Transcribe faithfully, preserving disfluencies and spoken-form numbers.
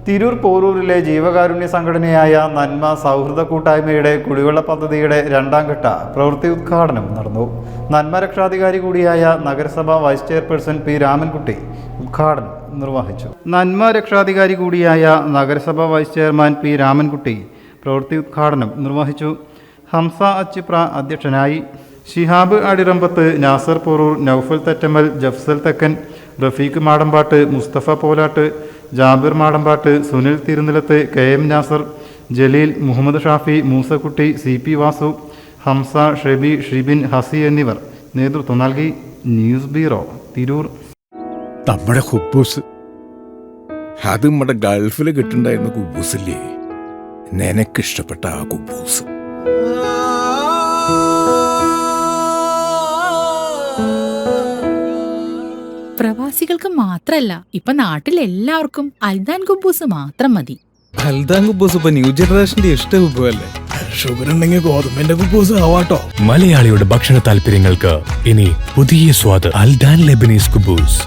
തിരൂർ പോരൂരിലെ ജീവകാരുണ്യ സംഘടനയായ നന്മ സൗഹൃദ കൂട്ടായ്മയുടെ കുടിവെള്ള പദ്ധതിയുടെ രണ്ടാം ഘട്ട പ്രവൃത്തി ഉദ്ഘാടനം നടന്നു. നന്മ രക്ഷാധികാരി കൂടിയായ നഗരസഭ വൈസ് ചെയർപേഴ്സൺ പി രാമൻകുട്ടി ഉദ്ഘാടനം നിർവഹിച്ചു. നന്മ രക്ഷാധികാരി കൂടിയായ നഗരസഭ വൈസ് ചെയർമാൻ പി രാമൻകുട്ടി പ്രവൃത്തി ഉദ്ഘാടനം നിർവഹിച്ചു. ഹംസ അച്ചിപ്ര അധ്യക്ഷനായി. Shihab അടിറമ്പത്ത്, Nasar Poroor, Noufal Thettammal, Jafsal Thekkan, Rafeeq Madambatt, Musthafa Polatt, Jabir Madambatt, Sunil Thirunilath, K M Nasar, Jaleel, Muhammad Shafi, Moosakutty, C P Vasu, Hamsa, Shebi, Shibin, Hasi എന്നിവർ നേതൃത്വം നൽകി. News bureau, Tirur. നമ്മുടെ കുബൂസ് അത് നമ്മുടെ ഗൾഫിൽ കിട്ടുണ്ടായിരുന്ന കുബൂസില്ലേ, നിനക്കിഷ്ടപ്പെട്ട ആ കുബൂസ്. പ്രവാസികൾക്ക് മാത്രല്ല, ഇപ്പൊ നാട്ടിൽ എല്ലാവർക്കും അൽദാൻ കുബൂസ് മാത്രം മതി. അൽദാൻ കുബൂസ് ഇപ്പൊ ന്യൂ ജനറേഷന്റെ ഇഷ്ട കുബുവല്ലേ. ഷുഗർ ഉണ്ടെങ്കിൽ ഗോതമ്പിന്റെ കുബൂസ് ആവാട്ടോ. മലയാളിയുടെ ഭക്ഷണ താല്പര്യങ്ങൾക്ക് ഇനി പുതിയ സ്വാദ്. അൽദാൻ ലെബനീസ് കുബൂസ്.